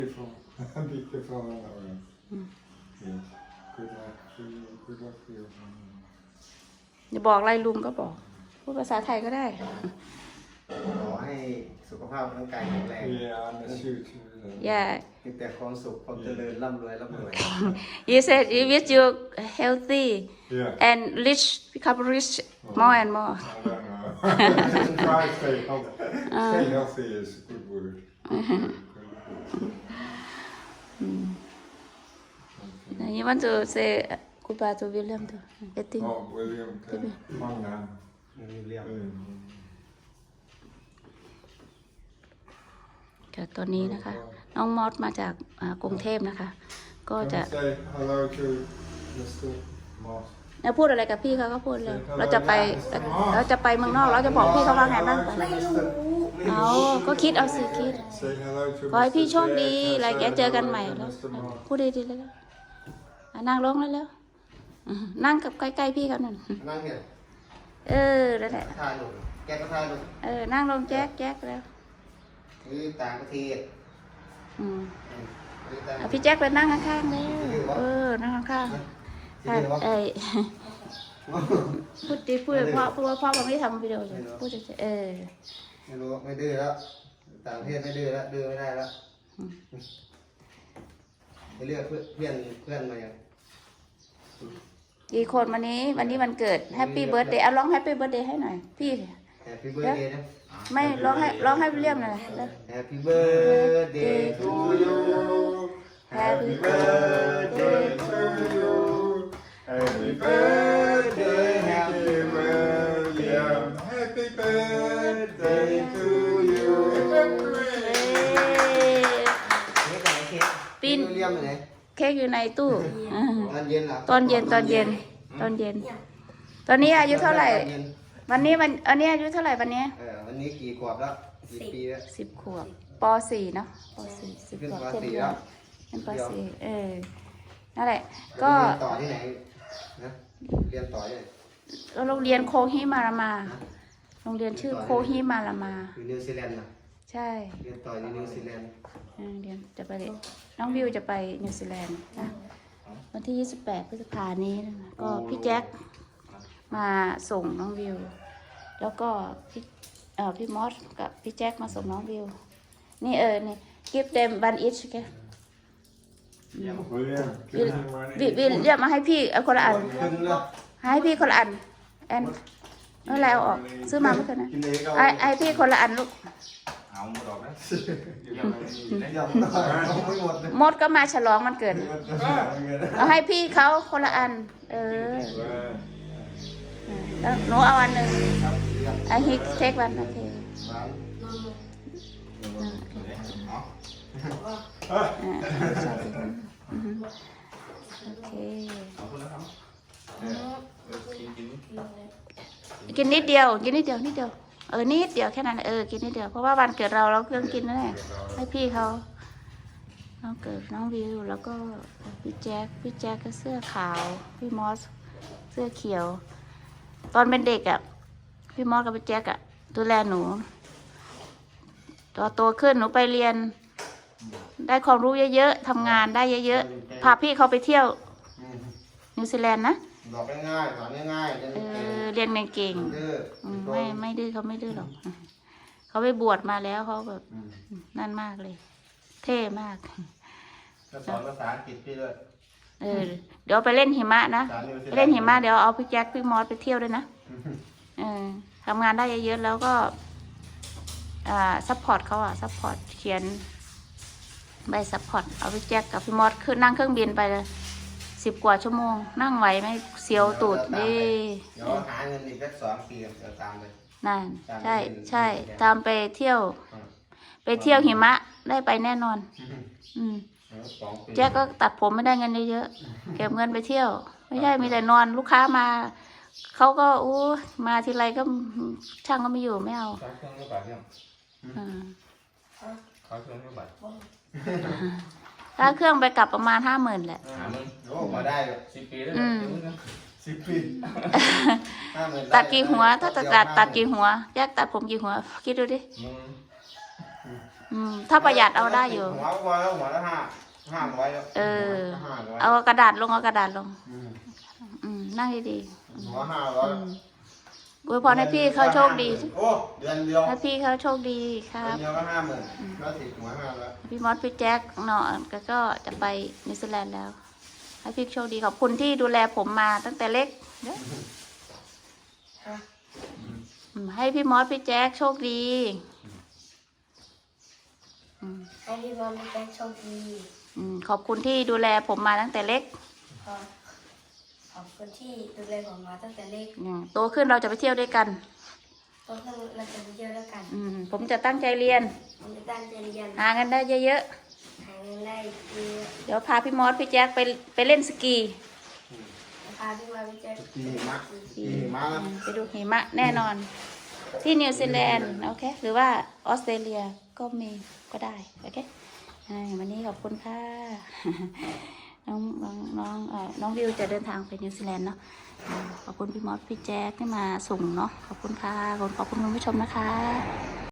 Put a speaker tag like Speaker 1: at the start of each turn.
Speaker 1: อย่าบอกอะไรลุงก็บอกพูดภาษาไทยก็ได้
Speaker 2: ขอให้สุขภาพร่างกายแข็งแรง
Speaker 1: อย่า
Speaker 2: มีแต่ความสุขความเจริญร่ำรวย
Speaker 1: you said you wish you healthy and rich become rich more and more
Speaker 3: Try stay healthy. Stay healthy is a good word.
Speaker 1: you want to say goodbye to William too I think
Speaker 3: Oh, William, man man.
Speaker 2: มีเรื่อง
Speaker 1: ค่ะตอนนี้นะคะ น้องมอสมาจากกรุงเทพนะคะ ก็จะ
Speaker 3: Say hello to Mr. Moss.
Speaker 1: แล้วพูดอะไรกับพี่เขาก็พูดเลยเราจะไปเมืองนอกเราจะบอกพี่เขาว่าไงบ้างไปเอาก็คิดเอาสิคิด
Speaker 3: Say hello to
Speaker 1: ขอให้พี่
Speaker 3: Mr.
Speaker 1: โชคดีอะไรแกเจอกันใหม่แล้ว
Speaker 3: Mr. Moss.
Speaker 1: พูดดีๆเลยนั่งลงแล้วนั่งกับใกล้ๆพี่เขาหน่อย
Speaker 2: นั่งเนี่ย
Speaker 1: นั่นแหละ
Speaker 2: ทายลงแกก็ทายลง
Speaker 1: นั่งลงแจ๊กแล้ว
Speaker 2: นี่ต่างประเทศ
Speaker 1: พี่แจ๊คไปนั่งข้างๆเลยนั่งข้างๆพูดดีพูดเพราะว่าไม่ทำวิดีโออยู่พูดเฉย
Speaker 2: ไม่รู้ไม่ดื้อแล้วต่างประเทศไม่ดื้อแล้วดื้อไม่ได้แล้วไปเลือกเพื่อนมาอย่าง
Speaker 1: กี่คนวันนี้วันเกิดแฮปปี้เบิร์ดเดย์เอาร้องแฮปปี้เบิร์ดเดย์ให้หน่อยพี่
Speaker 2: Happy birthday นะ
Speaker 1: ไม่ร้องให้วิลเลียมหน่อย
Speaker 2: Happy birthday to you
Speaker 1: Happy birthday
Speaker 3: to you. Happy birthday, happy William. Happy birthday to you.
Speaker 1: ปิ้น
Speaker 2: เรียมไหน
Speaker 1: เค้กอยู่ในตู้
Speaker 2: ตอนเย็นเหรอ
Speaker 1: ตอนเย็นตอนนี้อายุเท่าไหร่วันนี้อันนี้อายุเท่าไหร่วันนี้
Speaker 2: วันนี้กี่ขวบแล้วกี่ปีแล้ว
Speaker 1: 10 ขวบป .4 เนาะป .4 10 ขวบเต็มแล้วเป็นป .4 นั่นแหละก็
Speaker 2: เรียนต่อที่ไหนนะเรียนต่อที่ไหน
Speaker 1: โรงเรียนโคฮิมารามาโรงเรียนชื่อโคฮิมารามา
Speaker 2: อยู่นิวซีแลนด์นะ
Speaker 1: ใช่
Speaker 2: เรียนต่ออยู่นิวซีแลนด์
Speaker 1: เรียนจะไปน้องวิวจะไปนิวซีแลนด์นะวันที่28 พฤษภาคมนี้นะก็พี่แจ็คมาส่งน้องวิวแล้วก็พี่มอสกับพี่แจ็คมาส่งน้องวิวนี่นี่ give them one each แก
Speaker 3: William, give him money.
Speaker 1: วิวเรียกมาให้พี่คนละอัน
Speaker 2: ขึ้นแล้ว
Speaker 1: ให้พี่คนละอันแอนไม่เป็นไรเอาออกซื้อมาไม่เคยนะ
Speaker 2: กินเองก็
Speaker 1: ไอพี่คนละอันลูก
Speaker 4: เอาหมดออกนะอยู่ทำไมนี่นะ
Speaker 2: ยำหน่อยไม่หมดเลย
Speaker 1: มดก็มาฉลองมันเกิดเอาให้พี่เขาคนละอันแล้วหนูเอาอันหนึ่งไอฮิกเทควันโอเคโอเค
Speaker 4: เอาคนละครับ
Speaker 1: กินนิดเดียวนิดเดียวนิดเดียวแค่นั้นกินนิดเดียวเพราะว่าวันเกิดเราเครื่องกินนั่นแหละให้พี่เขาน้องเกิดน้องวิวแล้วก็พี่แจ็คก็เสื้อขาวพี่มอสเสื้อเขียวตอนเป็นเด็กพี่มอสกับพี่แจ็คดูแลหนูตอนโตขึ้นหนูไปเรียนได้ความรู้เยอะๆทำงานได้เยอะๆพาพี่เขาไปเที่ยวนิวซีแลนด์นะ
Speaker 2: บอกง่ายๆสอนง่ายๆ
Speaker 1: เรียนเก่งไม่ดื้อเขาไม่ดื้อหรอกเขาไปบวชมาแล้วเขาแบบนั่นมากเลย เท่มาก
Speaker 2: สอนภาษาอังกฤษพี่ด้วย
Speaker 1: เดี๋ยวไปเล่นหิมะนะเล่นหิมะเดี๋ยวเอาพี่แจ็คพี่มอสไปเที่ยวด้วยนะทำงานได้เยอะๆแล้วก็ซัพพอร์ตเขาซัพพอร์ตเขียนใบซัพพอร์ตเอาพี่แจ็คกับพี่มอสขึ้นนั่งเครื่องบินไปเลย10 กว่าชั่วโมงนั่งไหวไหมเสียวตูดดิ
Speaker 2: เดี๋ยวหาเงินอีกสัก2 ปีเดี๋ยวตามเลย
Speaker 1: นั่นใช่ตามไปเที่ยวหิมะได้ไปแน่นอนแจ็คก็ตัดผมไม่ได้เงินเยอะๆเก็บเงินไปเที่ยวไม่ใช่มีแต่นอนลูกค้ามาเขาก็มาทีไรก็ช่างก็ไม่อยู่ไม่เอา
Speaker 4: เขาเครื่องไม่บาดเนี่ยเขาเครื่องไม่บาด
Speaker 1: ถ้าเครื่องไปกลับประมาณ50,000แหละ
Speaker 2: โอ้มาได้เลย
Speaker 4: 10 ปีแล้ว
Speaker 2: 10 ปี
Speaker 1: ตัดกี่หัวถ้าตัดกี่หัวแยกตัดผมกี่หัวคิดดูดิถ้าประหยัดเอาได้อยู่
Speaker 2: หัวก็พอแล้วหัวละห้าร้อยแล้ว
Speaker 1: เออ
Speaker 2: 500
Speaker 1: เอากระดาษลงเอากระดาษลง นั่งดี
Speaker 2: หัว500
Speaker 1: ๆอวยพรให้พี่เขาโชคดี
Speaker 2: โอ้เดือนเดียว
Speaker 1: ให้พี่เขาโชคดีครั
Speaker 2: เดือบ นเดียวก็50,000แล้วติดหัว500
Speaker 1: พี่มอสพี่แจ็คเนาะก็จะไปนิวซีแลนด์แล้ว ให้พี่โชคดีขอบคุณที่ดูแลผมมาตั้งแต่เล็กเด้อให้พี่มอสพี่แจ็คโชคดี
Speaker 5: ให้พี่บอลพี่แจ็คโชคดี
Speaker 1: ขอบคุณที่ดูแลผมมาตั้งแต่เล็ก
Speaker 5: ขอบคุณที่ดูแลผมมาตั้งแต่เล็ก
Speaker 1: โตขึ้นเราจะไปเที่ยวด้วยกัน
Speaker 5: โตขึ้นเราจะไปเที่ยวด้วยกัน
Speaker 1: ผมจะตั้งใจเรียน
Speaker 5: ผมจะตั้งใจเรียน
Speaker 1: หาเงินได้เยอะ
Speaker 5: หาเงินได้เยอะ
Speaker 1: ๆเดี๋ยวพาพี่มอสพี่แจ็คไปเล่นสกี
Speaker 5: พาพี่บอลพี่แจ็ค
Speaker 2: ขี่หิมะแล้ว
Speaker 1: ไปดูหิมะแน่นอน ที่นิวซีแลนด์โอเคหรือว่าออสเตรเลียก็มีก็ได้โอเควันนี้ขอบคุณค่ะ น้องวิวจะเดินทางไปนิวซีแลนด์เนาะขอบคุณพี่มอสพี่แจ๊คที่มาส่งเนาะขอบคุณค่ะขอบคุณคุณผู้ชมนะคะ